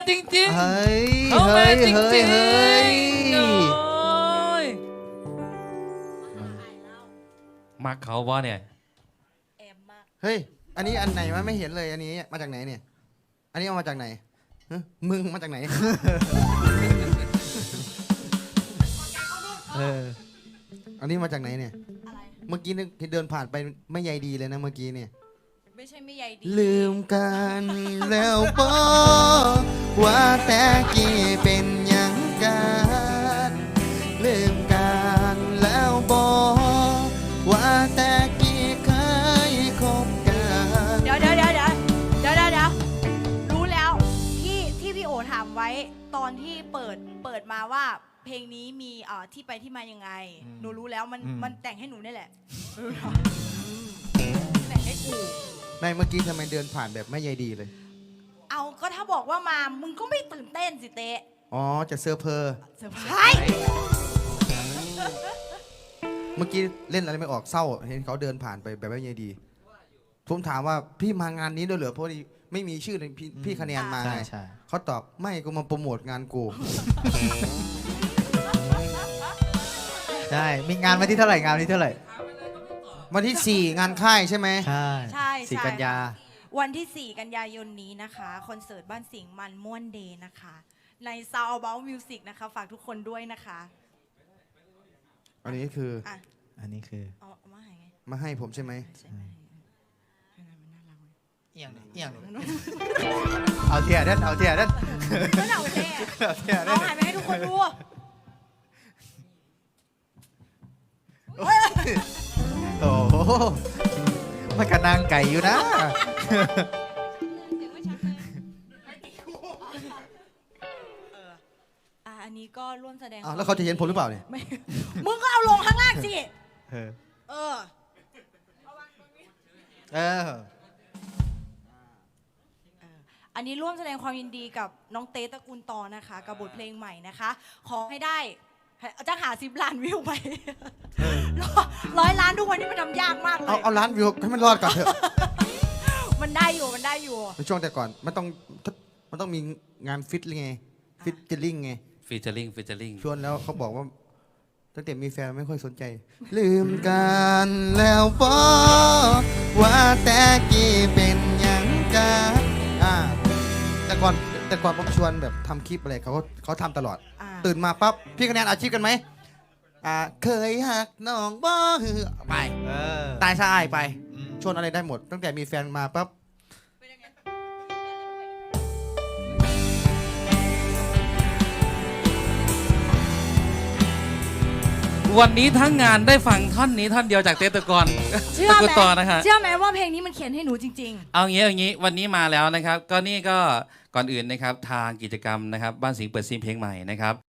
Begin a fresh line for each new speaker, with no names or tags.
จริงๆ
เฮ้ย
เขามาจริงๆ
เฮ้ย
โอ้ยมักเขาบ่เนี่ย
เฮ้ยอันนี้อันไหนวะไม่เห็นเลยอันนี้มาจากไหนเนี่ยอันนี้เอามาจากไหนฮะมึงมาจากไหนอันนี้มาจากไหนเนี่ย
อะไร
เมื่อกี้นึกเดินผ่านไปไม่ใยดีเลยนะเมื่อกี้เนี่ย
ไม่ใช่ไม่ใยดี
ลืมกันแล้วบอกว่าแต่กี้เป็นหยังกันลืมกันแล้วบอกว่าแต่กี้เคยคบกัน
เดี๋ยวรู้แล้วที่พี่โอถามไว้ตอนที่เปิดมาว่าเพลงนี้มีที่ไปที่มายังไงหนูรู้แล้วมันแต่งให้หนูนี่แหละแต่งให้กู
ในเมื่อกี้ทำไมเดินผ่านแบบไม่ใยดีเลย
เอาก็ถ้าบอกว่ามามึงก็ไม่ตื่นเต้นสิเตะ
อ๋อจะเซอร์เพอ
เซอร์ไพรส์
เมื่อกี้เล่นอะไรไม่ออกเศร้าเห็นเขาเดินผ่านไปแบบไม่ใยดีผมถามว่าพี่มางานนี้ด้วยเหรอเพราะไม่มีชื่อในพี่คะแนนมาไงเขาตอบไม่กูมาโปรโมทงานกู
ใช่มีงานวันที่เท่าไหร่งานวันที่เท่าไหร่
วันที่ 4 งานค่ายใช่ไหม
ใช่สี่กันยา
วันที่ 4 กันยายนนี้นะคะคอนเสิร์ตบ้านสิงห์มันม่วนเดย์นะคะใน Sound About Music นะคะฝากทุกคนด้วยนะคะ
อันนี้คือ
อ่ะ
อันนี้คือ
เอามาให้ไง
มาให้ผมใช่ไหม
ใช่ไหม
เอียงเอาเทียร์เด้นเอาเทียร์เด้น
ก็เอาแน่
เอาเทียร์เด้
เอา
น
หันไปให้ทุกคนดู
โอ้โหมันกระนางไก่อยู่นะ
อันนี้ก็ร่วมแสดง
อ้าวแล้วเขาจะเห็นผมหรือเปล่าเนี่ย
ไม่มึงก็เอาลงข้างล่างสิ
เออ
เออ
เออ
อันนี้ร่วมแสดงความยินดีกับน้องเต้ตระกูลตอนะคะกับบทเพลงใหม่นะคะ ขอให้ได้จะหา10 ล้านวิวไป100 ล้านทุกวันนี้มันทำยากมากเลย
เอาล้านวิวให้มันรอดก่อนเถอะ
มันได้อยู่
ในช่วงแต่ก่อนมันต้องมีงานฟิตไงฟิตเจอริ่งไง
ฟีเจอริง
ชวนแล้วเขาบอกว่าตั้งแต่มีแฟนไม่ค่อยสนใจ ลืมกันแล้วบอกว่าแต่กี้เป็นหยังกันแต่ก่อนผมชวนแบบทำคลิปอะไรเขาทำตลอด ตื่นมาปั๊บพี่คะแนนอาชีพกันไหมเคยหักน้องบ่ฮือไป
เออ
ตายซะอายไปชวนอะไรได้หมด ตั้งแต่มีแฟนมาปั๊บ
วันนี้ทั้งงานได้ฟังท่อนนี้ท่อนเดียวจากเต้ตะกอน
เชื่อ
ตะ
ไห
กุ
ม
นต่อนะคะ
เชื่อไหมว่าเพลงนี้มันเขียนให้หนูจริง
เอางี้วันนี้มาแล้วนะครับ ก็นี่ก็ก่อนอื่นนะครับทางกิจกรรมนะครับบ้านสิงห์เปิดซีนเพลงใหม่นะครับ